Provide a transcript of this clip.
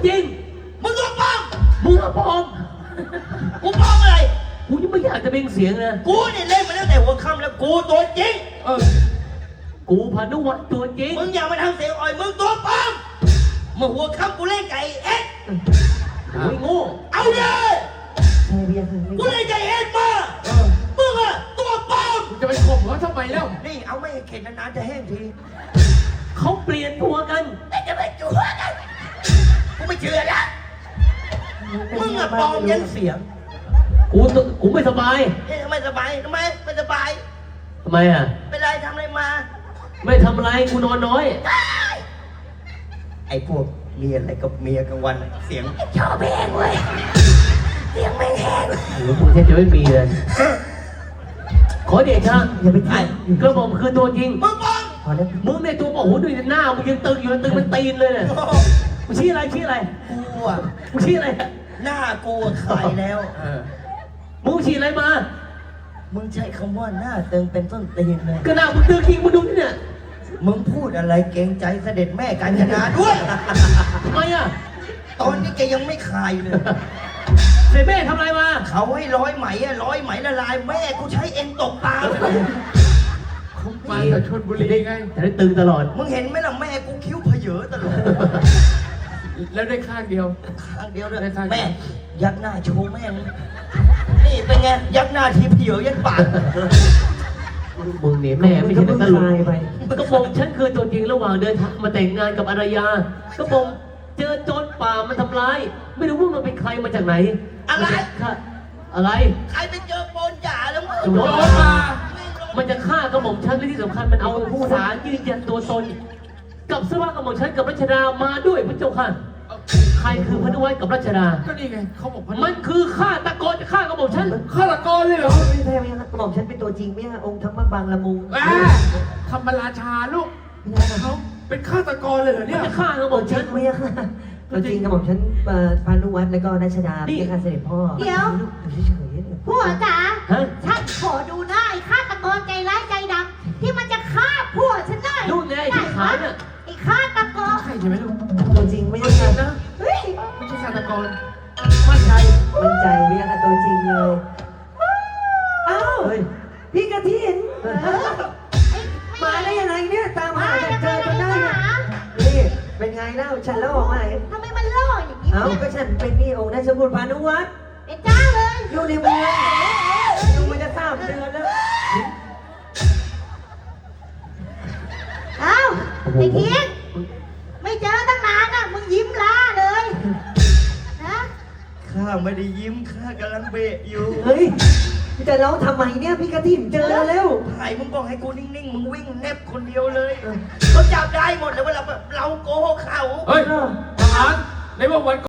จริงมึงตัวปลอมมึงอะปลอมกูปลอมอะไรกูยังไม่อยากจะเป็นเสียงนะกูนี่เล่นมาตั้งแต่หัวค่ำแล้วกูตัวจริงกูพานุวัฒน์ตัวจริงมึงอย่ามาทำเสียงอ่อยมึงตัวปลอมเมื่อหัวค่ำกูเล่นไก่เอ็ดโอ้ยโง่เอาเลยกูเล่นไก่เอ็ดมามึงอะตัวปลอมจะไปข่มเขาทำไมแล้วนี่เอาไม่เข็ดนานๆจะแห้งทีเขาเปลี่ยนตัวกันจะไปจั่วกันกูไม่เชื่อละมึงอะปลอมยันเสียงกูไม่สบายไม่สบายทำไมไม่สบายทำไมอ่ะเป็นไรทำอะไรมาไม่ทำอะไรกูนอนน้อยไอ้พวกเมียอะไรกับเมียกลางวันเสียงชอบแห้งเว้ยเสียงไม่แห้งโอ้โหแทบจะไม่มีเลยขอเดชะอย่าไปถ่ายกระบอกคือตัวจริงมึงบ้องมึงในตัวบอกโอ้โหดูหน้ามึงยังตึงอยู่ตึงมันตีนเลยเนี่ยมึงชี้อะไรกูอ่ะมึงชี้อะไรหน้ากูขายแล้วมึงชี้อะไรมามึงใช้คำว่าหน้าตึงเป็นต้นตีนเลยก็หน้ามึงตึงจริงมึงดูนี่เนี่ยมึงพูดอะไรเกรงใจเสด็จแม่กาญจนาด้วยทำไมอ่ะตอนนี้แกยังไม่คายเลยเสด็จแม่ทำอะไรมาเขาให้ร้อยไหมละลายแม่กูใช้เอ็นตกปลามาจากชลบุรีไงแต่ได้ตึงตลอดมึงเห็นไหมล่ะแม่กูคิ้วเพเยอตลอดแล้วได้ข้างเดียวด้วยแม่ยักหน้าโชว์แม่นี่เป็นไงยักหน้าทีเพเยอยันปากมึงเนี่ยแม่ไม่ใช่ตลกไปก็บอกฉันคือตัวจริงระหว่างเดินทางมาแต่งงานกับอารยาก็บอกเจอโจรป่ามันทำร้ายไม่รู้ว่ามันเป็นใครมาจากไหนอะไรใครไปเจอปนจ่าแล้วมึงโจรป่ามันจะฆ่ากระหม่อมฉันและที่สำคัญมันเอาผู้สารยืนยันตัวตนกับสวะกระหม่อมฉันกับรัชดามาด้วยพระเจ้าค่ะใครคือพนุวัฒน์กับรัชดาก็นี่ไงเขาบอกมันคือฆาตกรจะฆ่ากระหม่อมฉันฆาตกรเลยเหรอไม่ใช่กระหม่อมฉันเป็นตัวจริงไม่ใช่องค์ธรรมบางละมุงธรรมราชาลูกเขาเป็นฆาตกรเลยเหรอเนี่ยจะฆ่ากระหม่อมฉันไม่ใช่ตัวจริงกระหม่อมฉันพานุวัฒน์แล้วก็รัชดาเป็นข้าเสด็จพ่อเดี๋ยวผัวจ๋าฉันขอดูหน้าไอ้ฆาตกรใจร้ายใจดำที่มันจะฆ่าผัวฉันได้ดูไงที่ขาเนี่ยไอ้ฆาตกรใช่ใช่ไหมลูกตัวจริงไม่ใช่นะเฮ้ยไม่ใช่ฆาตกรมั่นใจไม่ใช่ตัวจริงเลยอ้าวพี่กระทินมาได้ยังไงเนี่ยตามหาเจอจนได้นี่เป็นไงเล่าฉันเล่าออกมาทำไมมันล่ออย่างนี้ก็ฉันเป็นนี่องค์ราชบุตรพานุวัฒน์เป็นเจ้าเลยอยู่ในเมืองอยู่มันจะ3 เดือนแล้วอ้าวไอ้เทียนไม่เจอตั้งนานอ่ะมึงยิ้มล่าเลยนะข้าไม่ได้ยิ้มข้ากำลังเบะอยู่เฮ้ยจะร้องทำไมเนี่ยพี่กระถิ่นเจอแล้วไอ้มึงบอกให้กูนิ่งๆมึงวิ่งแนบคนเดียวเลยเขาจับได้หมดเลยว่าเราโกหกเขาเฮ้ยทหารในวัน